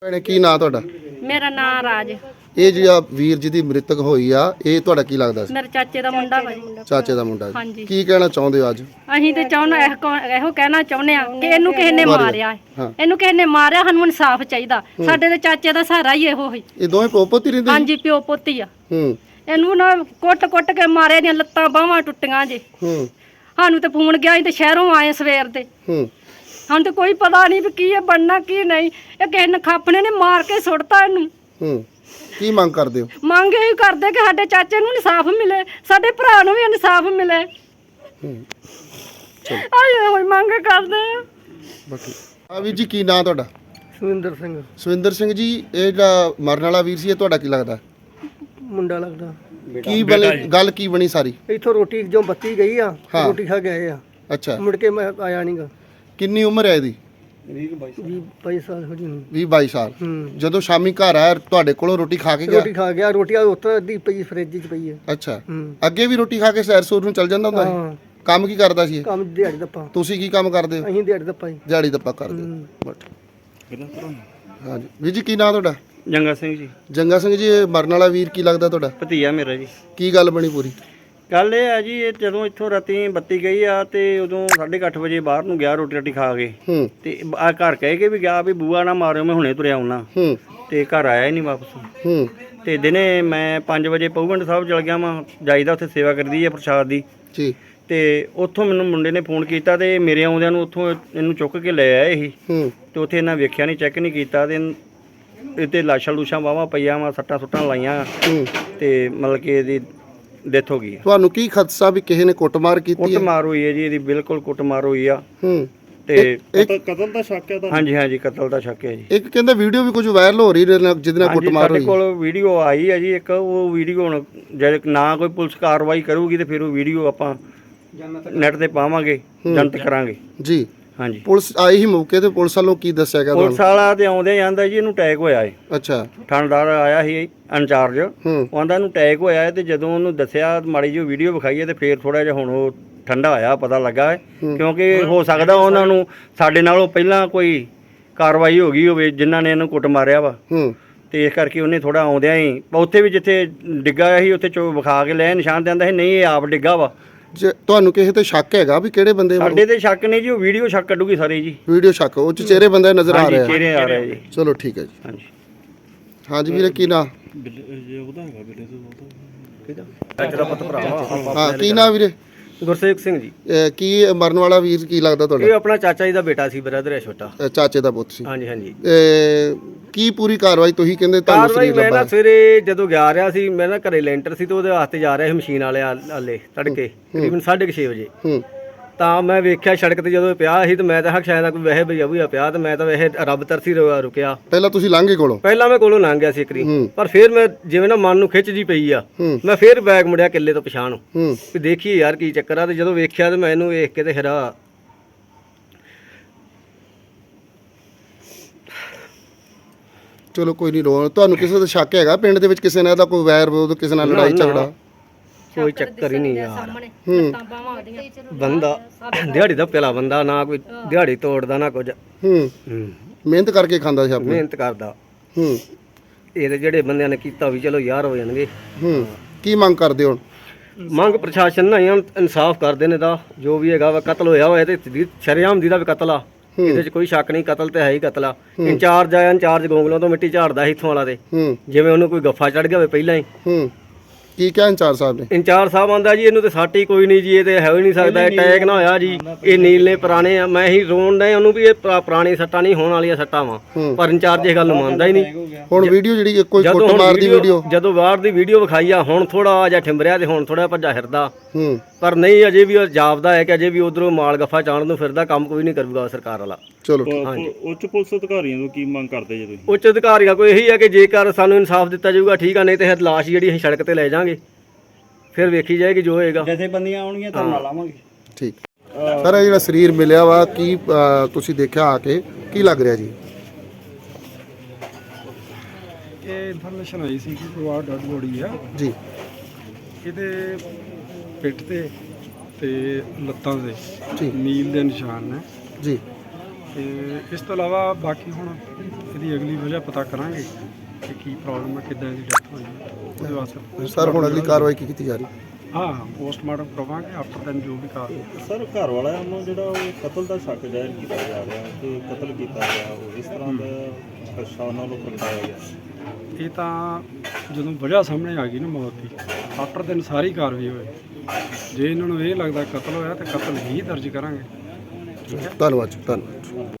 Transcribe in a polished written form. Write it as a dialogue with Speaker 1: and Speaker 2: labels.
Speaker 1: ਭੈਣੇ ਕੀ ਨਾਂ ਤੁਹਾਡਾ?
Speaker 2: ਮੇਰਾ ਨਾਂ ਰਾਜ।
Speaker 1: ਇਹ ਜਿਹੜਾ ਵੀਰ ਜੀ ਦੀ ਮ੍ਰਿਤਕ ਹੋਈ ਆ, ਇਹ ਤੁਹਾਡਾ ਕੀ ਲੱਗਦਾ ਸੀ?
Speaker 2: ਮੇਰੇ ਚਾਚੇ ਦਾ ਮੁੰਡਾ ਵਾ ਜੀ।
Speaker 1: ਚਾਚੇ ਦਾ ਮੁੰਡਾ ਜੀ।
Speaker 2: ਹਾਂਜੀ।
Speaker 1: ਕੀ ਕਹਿਣਾ ਚਾਹੁੰਦੇ ਹੋ ਅੱਜ?
Speaker 2: ਅਸੀਂ ਤੇ ਚਾਹੁੰਦੇ ਇਹੋ ਕਹਿਣਾ ਚਾਹੁੰਦੇ ਆ ਕਿ ਇਹਨੂੰ ਕਿਸੇ ਨੇ ਮਾਰਿਆ ਹੈ।
Speaker 1: ਹਾਂ।
Speaker 2: ਇਹਨੂੰ ਕਿਸੇ ਨੇ ਮਾਰਿਆ, ਸਾਨੂੰ ਇਨਸਾਫ ਚਾਹੀਦਾ। ਸਾਡੇ ਦੇ ਚਾਚੇ ਦਾ ਸਹਾਰਾ ਹੀ ਇਹੋ ਹੀ।
Speaker 1: ਇਹ ਦੋਵੇਂ ਪੋਪੋਤੀ ਰਹਿੰਦੇ ਸੀ?
Speaker 2: ਹਾਂਜੀ, ਪਿਓ ਪੁੱਤੀ ਆ।
Speaker 1: ਹੂੰ
Speaker 2: ਇਹਨੂੰ ਨਾ ਕੁੱਟ ਕੇ ਮਾਰਿਆ, ਦੀਆਂ ਲੱਤਾਂ ਬਾਹਾਂ ਟੁੱਟੀਆਂ ਜੇ।
Speaker 1: ਹੂੰ
Speaker 2: ਸਾਨੂੰ ਤੇ ਫੋਨ ਗਿਆ ਸੀ ਤੇ ਸ਼ਹਿਰੋਂ ਆਏ ਸਵੇਰ ਦੇ।
Speaker 1: ਹੂੰ
Speaker 2: ਸਾਨੂੰ ਤੇ ਕੋਈ ਪਤਾ ਨਹੀਂ ਵੀ ਕੀ ਇਹ ਬਣਨਾ ਕੀ ਨਹੀਂ। ਇਹ ਕਿਸੇ ਨੇ ਖਾਪਣੇ ਨੇ ਮਾਰ ਕੇ ਸੁੱਟਤਾ ਇਹਨੂੰ।
Speaker 1: ਹੂੰ ਕੀ ਮੰਗ ਕਰਦੇ ਹੋ?
Speaker 2: ਮੰਗ ਇਹ ਕਰਦੇ ਕਿ ਸਾਡੇ ਚਾਚੇ ਨੂੰ ਇਨਸਾਫ ਮਿਲੇ, ਸਾਡੇ ਭਰਾ ਨੂੰ ਵੀ ਇਨਸਾਫ ਮਿਲੇ। ਆਏ ਹੋਈ ਮੰਗ ਕਰਦੇ ਆ।
Speaker 1: ਬਾਕੀ ਆ ਵੀਰ ਜੀ ਕੀ ਨਾਂ ਤੁਹਾਡਾ?
Speaker 3: ਸੁਰਿੰਦਰ ਸਿੰਘ।
Speaker 1: ਸੁਰਿੰਦਰ ਸਿੰਘ ਜੀ, ਇਹ ਜਿਹੜਾ ਮਰਨ ਵਾਲਾ ਵੀਰ ਸੀ, ਇਹ ਤੁਹਾਡਾ ਕੀ ਲੱਗਦਾ?
Speaker 3: ਮੁੰਡਾ ਲੱਗਦਾ।
Speaker 1: ਕੀ ਗੱਲ ਕੀ ਬਣੀ ਸਾਰੀ?
Speaker 3: ਇੱਥੋਂ ਰੋਟੀ ਜੋ ਬੱਤੀ ਗਈ ਆ,
Speaker 1: ਹਾਂ।
Speaker 3: ਰੋਟੀ ਖਾ ਗਏ ਆ।
Speaker 1: ਅੱਛਾ,
Speaker 3: ਮੁੜ ਕੇ ਮੈਂ ਆਇਆ ਨਹੀਂਗਾ।
Speaker 1: ਕਿੰਨੀ ਉਮਰ ਹੈ ਇਹਦੀ?
Speaker 3: 22 ਸਾਲ ਹੋ ਗਏ।
Speaker 1: 20-22 ਸਾਲ।
Speaker 3: ਹੂੰ।
Speaker 1: ਜਦੋਂ ਸ਼ਾਮੀ ਘਰ ਆਇਆ ਤੁਹਾਡੇ ਕੋਲੋਂ ਰੋਟੀ ਖਾ ਕੇ ਗਿਆ?
Speaker 3: ਰੋਟੀ ਖਾ ਗਿਆ। ਰੋਟੀ ਉੱਤਰ ਅੱਧੀ ਪਈ ਫਰਿੱਜ 'ਚ ਪਈ ਹੈ।
Speaker 1: ਅੱਛਾ,
Speaker 3: ਹੂੰ।
Speaker 1: ਅੱਗੇ ਵੀ ਰੋਟੀ ਖਾ ਕੇ ਸੈਰ ਸੂਰ ਨੂੰ ਚੱਲ ਜਾਂਦਾ ਹੁੰਦਾ ਸੀ?
Speaker 3: ਹਾਂ।
Speaker 1: ਕੰਮ ਕੀ ਕਰਦਾ ਸੀ ਇਹ?
Speaker 3: ਕੰਮ ਦਿਹਾੜੀ ਦੱਪਾ।
Speaker 1: ਤੁਸੀਂ ਕੀ ਕੰਮ ਕਰਦੇ ਹੋ?
Speaker 3: ਅਸੀਂ ਦਿਹਾੜੀ ਦੱਪਾ ਹੀ।
Speaker 1: ਦਿਹਾੜੀ ਦੱਪਾ ਕਰਦੇ ਹੋ। ਹਾਂਜੀ ਵੀਰ ਜੀ, ਕੀ ਨਾਂ ਤੁਹਾਡਾ?
Speaker 4: ਜੰਗਾ ਸਿੰਘ ਜੀ।
Speaker 1: ਜੰਗਾ ਸਿੰਘ ਜੀ, ਇਹ ਮਰਨ ਵਾਲਾ ਵੀਰ ਕੀ ਲੱਗਦਾ ਤੁਹਾਡਾ?
Speaker 4: ਭਤੀਆ ਮੇਰਾ ਜੀ।
Speaker 1: ਕੀ ਗੱਲ ਬਣੀ ਪੂਰੀ?
Speaker 4: ਗੱਲ ਇਹ ਹੈ ਜੀ, ਇਹ ਜਦੋਂ ਇੱਥੋਂ ਰਾਤੀ ਬੱਤੀ ਗਈ ਆ ਤੇ ਉਦੋਂ 8:30 ਵਜੇ ਬਾਹਰ ਨੂੰ ਗਿਆ ਰੋਟੀ ਰਾਟੀ ਖਾ ਕੇ।
Speaker 1: ਹੂੰ
Speaker 4: ਤੇ ਆ ਘਰ ਕਹਿ ਕੇ ਵੀ ਗਿਆ ਵੀ ਬੂਆ ਨਾ ਮਾਰਿਓ, ਮੈਂ ਹੁਣੇ ਤੁਰਿਆ ਆਉਣਾ।
Speaker 1: ਹੂੰ
Speaker 4: ਤੇ ਘਰ ਆਇਆ ਹੀ ਨਹੀਂ ਵਾਪਸ।
Speaker 1: ਹੂੰ
Speaker 4: ਤੇ ਦਿਨੇ ਮੈਂ 5 ਵਜੇ ਪਊਗੰਡ ਸਾਹਿਬ ਚਲ ਗਿਆ। ਮੈਂ ਜਾਈਦਾ, ਉੱਥੇ ਸੇਵਾ ਕਰਦੀ ਹੈ ਪ੍ਰਸ਼ਾਦ ਦੀ।
Speaker 1: ਜੀ।
Speaker 4: ਤੇ ਉੱਥੋਂ ਮੈਨੂੰ ਮੁੰਡੇ ਨੇ ਫੋਨ ਕੀਤਾ ਤੇ ਮੇਰੇ ਆਉਂਦਿਆਂ ਨੂੰ ਉੱਥੋਂ ਇਹਨੂੰ ਚੁੱਕ ਕੇ ਲੈ ਆਏ ਸੀ।
Speaker 1: ਹੂੰ
Speaker 4: ਤੇ ਉੱਥੇ ਇਹਨਾਂ ਵੇਖਿਆ ਨਹੀਂ, ਚੈੱਕ ਨਹੀਂ ਕੀਤਾ ਤੇ ਇੱਥੇ ਲਾਸ਼ਾਂ ਲੂਸ਼ਾਂ ਵਾਹਵਾ ਪਈਆਂ ਵਾ, ਸੱਟਾਂ ਸੁੱਟਾਂ ਲਾਈਆਂ।
Speaker 1: ਹੂੰ
Speaker 4: ਤੇ ਮਤਲਬ ਕਿ ਇਹਦੀ ਡੈਥ ਹੋ ਗਈ ਹੈ।
Speaker 1: ਤੁਹਾਨੂੰ ਕੀ ਖਦਸ਼ਾ ਵੀ ਕਿਸੇ ਨੇ ਕੁੱਟਮਾਰ ਕੀਤੀ ਹੈ?
Speaker 4: ਕੁੱਟਮਾਰ ਹੋਈ ਹੈ ਜੀ, ਇਹਦੀ ਬਿਲਕੁਲ ਕੁੱਟਮਾਰ ਹੋਈ ਆ।
Speaker 1: ਹੂੰ
Speaker 4: ਤੇ
Speaker 1: ਕਤਲ ਦਾ ਸ਼ੱਕ ਹੈ ਤੁਹਾਨੂੰ?
Speaker 4: ਹਾਂਜੀ ਹਾਂਜੀ, ਕਤਲ ਦਾ ਸ਼ੱਕ ਹੈ ਜੀ।
Speaker 1: ਇੱਕ ਕਹਿੰਦਾ ਵੀਡੀਓ ਵੀ ਕੁਝ ਵਾਇਰਲ ਹੋ ਰਹੀ ਜਿਹਦੇ ਨਾਲ ਕੁੱਟਮਾਰ
Speaker 4: ਸਾਡੇ
Speaker 1: ਹੋਈ।
Speaker 4: ਕੋਲ ਵੀਡੀਓ ਆਈ ਹੈ ਜੀ ਇੱਕ। ਉਹ ਵੀਡੀਓ ਹੁਣ ਜੇ ਨਾ ਕੋਈ ਪੁਲਿਸ ਕਾਰਵਾਈ ਕਰੂਗੀ ਤੇ ਫਿਰ ਉਹ ਵੀਡੀਓ ਆਪਾਂ ਨੈਟ ਤੇ ਪਾਵਾਂਗੇ, ਜਨਤਕ ਕਰਾਂਗੇ
Speaker 1: ਜੀ।
Speaker 4: ਹਾਂਜੀ।
Speaker 1: ਪੁਲਿਸ ਆਈ ਹੀ ਮੌਕੇ ਤੇ, ਪੁਲਿਸ ਵੱਲੋਂ ਕੀ ਦੱਸਿਆ ਗਿਆ
Speaker 4: ਪੁਲਿਸ ਵਾਲਾ ਤੇ ਆਉਂਦੇ ਜਾਂਦਾ ਜੀ, ਇਹਨੂੰ ਅਟੈਕ ਹੋਇਆ ਹੈ।
Speaker 1: ਅੱਛਾ।
Speaker 4: ਥਾਣੇਦਾਰ ਆਇਆ ਸੀ ਇੰਚਾਰਜ,
Speaker 1: ਹੂੰ
Speaker 4: ਉਹ ਆਂਦਾ ਇਹਨੂੰ ਅਟੈਕ ਹੋਇਆ ਹੈ। ਤੇ ਜਦੋਂ ਉਹਨੂੰ ਦੱਸਿਆ ਮਾੜੀ ਜਿਹੀ ਵੀਡੀਓ ਵਿਖਾਈ ਹੈ ਤੇ ਫਿਰ ਥੋੜਾ ਜਿਹਾ ਹੁਣ ਉਹ ਠੰਡਾ ਹੋਇਆ, ਪਤਾ ਲੱਗਾ ਹੈ। ਕਿਉਂਕਿ ਹੋ ਸਕਦਾ ਉਹਨਾਂ ਨੂੰ ਸਾਡੇ ਨਾਲੋਂ ਪਹਿਲਾਂ ਕੋਈ ਕਾਰਵਾਈ ਹੋ ਗਈ ਹੋਵੇ ਜਿਨ੍ਹਾਂ ਨੇ ਇਹਨੂੰ ਕੁੱਟ ਮਾਰਿਆ ਵਾ।
Speaker 1: ਹੂੰ
Speaker 4: ਤੇ ਇਸ ਕਰਕੇ ਉਹਨੇ ਥੋੜਾ ਆਉਂਦਿਆਂ ਹੀ ਉੱਥੇ ਵੀ ਜਿੱਥੇ ਡਿੱਗਾ ਸੀ ਉੱਥੇ ਚੋ ਵਿਖਾ ਕੇ ਲੈ ਨਿਸ਼ਾਨ ਦਿੰਦਾ ਸੀ, ਨਹੀਂ ਇਹ ਆਪ ਡਿੱਗਾ ਵਾ।
Speaker 1: ਜੇ ਤੁਹਾਨੂੰ ਕਿਸੇ ਤੇ ਸ਼ੱਕ ਹੈਗਾ ਵੀ ਕਿਹੜੇ ਬੰਦੇ?
Speaker 4: ਸਾਡੇ ਤੇ ਸ਼ੱਕ ਨਹੀਂ ਜੀ, ਉਹ ਵੀਡੀਓ ਸ਼ੱਕ ਕੱਢੂਗੀ ਸਾਰੇ ਜੀ।
Speaker 1: ਵੀਡੀਓ ਸ਼ੱਕ, ਉਹ 'ਚ ਚਿਹਰੇ ਬੰਦੇ ਨਜ਼ਰ ਆ ਰਹੇ ਆ?
Speaker 4: ਚਿਹਰੇ ਆ ਰਹੇ ਜੀ।
Speaker 1: ਚਲੋ ਠੀਕ ਹੈ ਜੀ।
Speaker 4: ਹਾਂਜੀ।
Speaker 1: ਹਾਂਜੀ ਵੀਰੇ, ਕੀ ਨਾਂ? ਹਾਂ, ਕੀ ਨਾਂ ਵੀਰੇ?
Speaker 3: ਗੁਰਸੇਵਕ ਸਿੰਘ ਜੀ।
Speaker 1: ਕੀ ਮਰਨ ਵਾਲਾ ਵੀਰ ਕੀ ਲੱਗਦਾ
Speaker 3: ਇਹ
Speaker 1: ਤੁਹਾਡਾ?
Speaker 3: ਆਪਣਾ ਚਾਚਾ ਜੀ ਦਾ ਬੇਟਾ ਸੀ, ਬ੍ਰਦਰ ਹੈ ਛੋਟਾ।
Speaker 1: ਚਾਚੇ ਦਾ ਪੁੱਤ ਸੀ?
Speaker 3: ਹਾਂਜੀ ਹਾਂਜੀ।
Speaker 1: ਕੀ ਪੂਰੀ ਕਾਰਵਾਈ ਤੁਸੀਂ ਕਹਿੰਦੇ ਤੁਹਾਨੂੰ
Speaker 3: ਕਾਰਵਾਈ
Speaker 1: ਸਰੀਰ
Speaker 3: ਮੈਂ ਨਾ
Speaker 1: ਲੱਭਾ?
Speaker 3: ਸਵੇਰੇ ਜਦੋਂ ਗਿਆ ਰਿਹਾ ਸੀ, ਮੈਂ ਨਾ ਘਰੇ ਲੈਂਟਰ ਸੀ ਤੇ ਉਹਦੇ ਵਾਸਤੇ ਜਾ ਰਿਹਾ ਸੀ ਮਸ਼ੀਨ ਵਾਲੇ ਆਲੇ ਤੜਕੇ ਤਕਰੀਬਨ 6:30 ਵਜੇ।
Speaker 1: ਹੂੰ
Speaker 3: ਤਾਂ ਮੈਂ ਵੇਖਿਆ ਸੜਕ ਤੇ ਜਦੋਂ ਪਿਆ ਸੀ ਤੇ ਮੈਂ ਤਾਂ ਹੱਕ ਸ਼ਾਇਦ ਕੋਈ ਵੈਸੇ ਬਈਆ ਪਿਆ ਤੇ ਮੈਂ ਤਾਂ ਵੈਸੇ ਰੱਬ ਤਰਸੀ ਰੁਕਿਆ।
Speaker 1: ਪਹਿਲਾਂ ਤੁਸੀਂ ਲੰਘੇ ਕੋਲੋਂ?
Speaker 3: ਪਹਿਲਾਂ ਮੈਂ ਕੋਲੋਂ ਲੰਘ ਗਿਆ ਸੀ ਇੱਕਰੀ, ਪਰ ਫਿਰ ਮੈਂ ਜਿਵੇਂ ਨਾ ਮਨ ਨੂੰ ਖਿੱਚ ਜੀ ਪਈ ਆ, ਮੈਂ ਫਿਰ ਬੈਗ ਮੁੜਿਆ ਕਿੱਲੇ ਤੋਂ ਪਛਾਣ ਵੀ ਦੇਖੀ ਯਾਰ ਕੀ ਚੱਕਰ ਆ। ਤੇ ਜਦੋਂ ਵੇਖਿਆ ਤੇ ਮੈਂ ਇਹਨੂੰ ਵੇਖ ਕੇ ਤੇ ਹੈਰਾ।
Speaker 1: ਚਲੋ ਕੋਈ ਨਹੀਂ, ਰੋ। ਤੁਹਾਨੂੰ ਕਿਸੇ ਦਾ ਸ਼ੱਕ ਹੈਗਾ ਪਿੰਡ ਦੇ ਵਿੱਚ ਕਿਸੇ ਨਾਲ ਇਹਦਾ ਕੋਈ ਵੈਰ ਵਿਰੋਧ, ਕਿਸੇ ਨਾਲ ਲੜਾਈ ਝਗੜਾ?
Speaker 3: ਕੋਈ ਚੱਕਰ ਹੀ ਨਹੀਂ ਯਾਰ।
Speaker 1: ਹੂੰ
Speaker 3: ਬੰਦਾ ਦਿਹਾੜੀ ਦਾ ਪਿਲਾ ਬੰਦਾ, ਨਾ ਕੋਈ ਦਿਹਾੜੀ ਤੋੜਦਾ ਨਾ ਕੁਝ।
Speaker 1: ਹੂੰ ਮਿਹਨਤ ਕਰਕੇ ਖਾਂਦਾ ਸੀ ਆਪਣੀ?
Speaker 3: ਮਿਹਨਤ ਕਰਦਾ।
Speaker 1: ਹੂੰ
Speaker 3: ਇਹਦੇ ਜਿਹੜੇ ਬੰਦਿਆਂ ਨੇ ਕੀਤਾ ਵੀ ਚਲੋ ਯਾਰ ਹੋ ਜਾਣਗੇ।
Speaker 1: ਹੂੰ ਕੀ ਮੰਗ ਕਰਦੇ ਹੋ?
Speaker 3: ਮੰਗ ਪ੍ਰਸ਼ਾਸਨ ਨਾਲ ਇਨਸਾਫ ਕਰਦੇ ਨੇ ਦਾ ਜੋ ਵੀ ਹੈਗਾ ਵਾ। ਕਤਲ ਹੋਇਆ ਹੋਇਆ ਤੇ ਸ਼ਰੇਆਮ ਦੀ ਦਾ ਵੀ ਕਤਲ ਆ, ਇਹਦੇ 'ਚ ਕੋਈ ਸ਼ੱਕ ਨਹੀਂ। ਕਤਲ ਤੇ ਹੈ ਹੀ ਕਤਲ ਆ। ਇੰਚਾਰਜ ਆਇਆ, ਇੰਚਾਰਜ ਗੋਂਗਲੋਂ ਤੋਂ ਮਿੱਟੀ ਝਾੜਦਾ ਸੀ ਇੱਥੋਂ ਵਾਲਾ ਤੇ ਜਿਵੇਂ ਉਹਨੂੰ ਕੋਈ ਗੱਫਾ ਚੜ ਗਿਆ ਹੋਵੇ ਪਹਿਲਾਂ ਹੀ।
Speaker 1: ਕੀ ਕਿਹਾ ਇੰਚਾਰਜ ਸਾਹਿਬ ਨੇ?
Speaker 3: ਇੰਚਾਰਜ ਸਾਹਿਬ ਆਂਦਾ ਜੀ ਇਹਨੂੰ ਤੇ ਸੱਟ ਹੀ ਕੋਈ ਨਹੀਂ ਜੀ, ਇਹ ਤੇ ਹੈ ਹੀ ਨਹੀਂ ਸਕਦਾ, ਇਹ ਅਟੈਕ ਨਾ ਹੋਇਆ ਜੀ, ਇਹ ਨੀਲ ਨੇ ਪੁਰਾਣੇ ਆ। ਮੈਂ ਹੀ ਰੋਣ ਡਿਆ ਉਹਨੂੰ ਵੀ ਇਹ ਪੁਰਾਣੀ ਸੱਟਾਂ ਨਹੀਂ ਹੋਣ ਵਾਲੀਆਂ ਸੱਟਾਂ ਵਾ, ਪਰ ਇੰਚਾਰਜ ਇਹ ਗੱਲ ਨੂੰ ਮੰਨਦਾ ਹੀ ਨਹੀਂ।
Speaker 1: ਹੁਣ ਵੀਡੀਓ ਜਿਹੜੀ ਕੋਈ ਕੁੱਟਮਾਰ ਦੀ ਵੀਡੀਓ,
Speaker 3: ਜਦੋਂ ਬਾਹਰ ਦੀ ਵੀਡੀਓ ਵਿਖਾਈ ਆ, ਹੁਣ ਥੋੜਾ ਜਿਹਾ ਠਿੰਬਰਿਆ ਤੇ ਹੁਣ ਥੋੜਾ ਭੱਜਾ ਫਿਰਦਾ। ਪਰ ਨਹੀਂ, ਅਜੇ ਵੀ ਉਹ ਜਾਪਦਾ ਹੈ ਕਿ ਅਜੇ ਵੀ ਉਧਰੋਂ ਮਾਲ ਗੱਫਾ ਚਾਣ ਨੂੰ ਫਿਰਦਾ, ਕੰਮ ਕੋਈ ਨਹੀਂ ਕਰੂਗਾ ਸਰਕਾਰ ਵਾਲਾ।
Speaker 1: ਚਲੋ
Speaker 5: ਉੱਚ ਪੁਲਿਸ ਅਧਿਕਾਰੀਆਂ ਨੂੰ ਕੀ ਮੰਗ ਕਰਦੇ ਜੀ ਤੁਸੀਂ?
Speaker 3: ਉੱਚ ਅਧਿਕਾਰੀਆਂ ਕੋਈ ਇਹੀ ਹੈ ਕਿ ਜੇਕਰ ਸਾਨੂੰ ਇਨਸਾਫ ਦਿੱਤਾ ਜਾਊਗਾ ਠੀਕ ਆ, ਨਹੀਂ ਤੇ ਇਹ ਲਾਸ਼ ਜਿਹੜੀ ਅਸੀਂ ਸੜਕ ਤੇ ਲੈ ਜਾਾਂਗੇ, ਫਿਰ ਵੇਖੀ ਜਾਏਗੀ ਜੋ ਹੋਏਗਾ।
Speaker 4: ਜਥੇਬੰਦੀਆਂ ਆਉਣਗੀਆਂ ਧਰਨਾ ਲਾਵਾਂਗੇ।
Speaker 1: ਠੀਕ। ਸਰ, ਇਹ ਜਿਹੜਾ ਸਰੀਰ ਮਿਲਿਆ ਵਾ, ਕੀ ਤੁਸੀਂ ਦੇਖਿਆ ਆ ਕੇ, ਕੀ ਲੱਗ ਰਿਹਾ ਜੀ?
Speaker 6: ਇਹ ਇਨਫੋਰਮੇਸ਼ਨ ਆਈ ਸੀ ਕਿ ਪਰਿਵਾਰ ਡੈਡ ਬੋਡੀ ਆ
Speaker 1: ਜੀ।
Speaker 6: ਇਹਦੇ ਪਿੱਠ ਤੇ ਲੱਤਾਂ
Speaker 1: ਜੀ
Speaker 6: ਨੀਲ ਦੇ ਨਿਸ਼ਾਨ ਨੇ
Speaker 1: ਜੀ।
Speaker 6: ਤੇ ਇਸ ਤੋਂ ਇਲਾਵਾ ਬਾਕੀ ਹੁਣ ਦੀ ਅਗਲੀ ਵਜ੍ਹਾ ਪਤਾ ਕਰਾਂਗੇ ਕਿ ਕੀ ਪ੍ਰੋਬਲਮ ਹੈ, ਕਿੱਦਾਂ ਇਹਦੀ ਡੈਥ ਹੋਈ ਹੈ। ਉਹਦੇ ਵਾਸਤੇ
Speaker 1: ਸਰ ਹੁਣ ਅਗਲੀ ਕਾਰਵਾਈ ਕੀ ਕੀਤੀ ਜਾ ਰਹੀ?
Speaker 6: ਹਾਂ ਪੋਸਟਮਾਰਟਮ ਕਰਵਾਵਾਂਗੇ ਆਫਟਰ ਦੈਨ ਜੋ ਵੀ ਕਾਰਵਾਈ।
Speaker 5: ਸਰ ਘਰ ਵਾਲਿਆਂ ਨੂੰ ਜਿਹੜਾ ਉਹ ਕਤਲ ਦਾ ਸ਼ੱਕ ਜ਼ਾਹਿਰ ਕੀਤਾ ਜਾ ਰਿਹਾ ਕਿ ਕਤਲ ਕੀਤਾ ਗਿਆ, ਉਹ ਇਸ ਤਰ੍ਹਾਂ ਦਾ ਖਦਸ਼ਾ ਉਹਨਾਂ ਨੂੰ ਪ੍ਰਗਟਾਇਆ ਗਿਆ।
Speaker 6: ਇਹ ਤਾਂ ਜਦੋਂ ਵਜ੍ਹਾ ਸਾਹਮਣੇ ਆ ਗਈ ਨਾ ਮੌਤ ਦੀ, ਆਫਟਰ ਦੈਨ ਸਾਰੀ ਕਾਰਵਾਈ ਹੋਏ। ਜੇ ਇਹਨਾਂ ਨੂੰ ਇਹ ਲੱਗਦਾ ਕਤਲ ਹੋਇਆ ਤਾਂ ਕਤਲ ਹੀ ਦਰਜ ਕਰਾਂਗੇ। ਠੀਕ ਹੈ।
Speaker 1: ਧੰਨਵਾਦ ਜੀ, ਧੰਨਵਾਦ।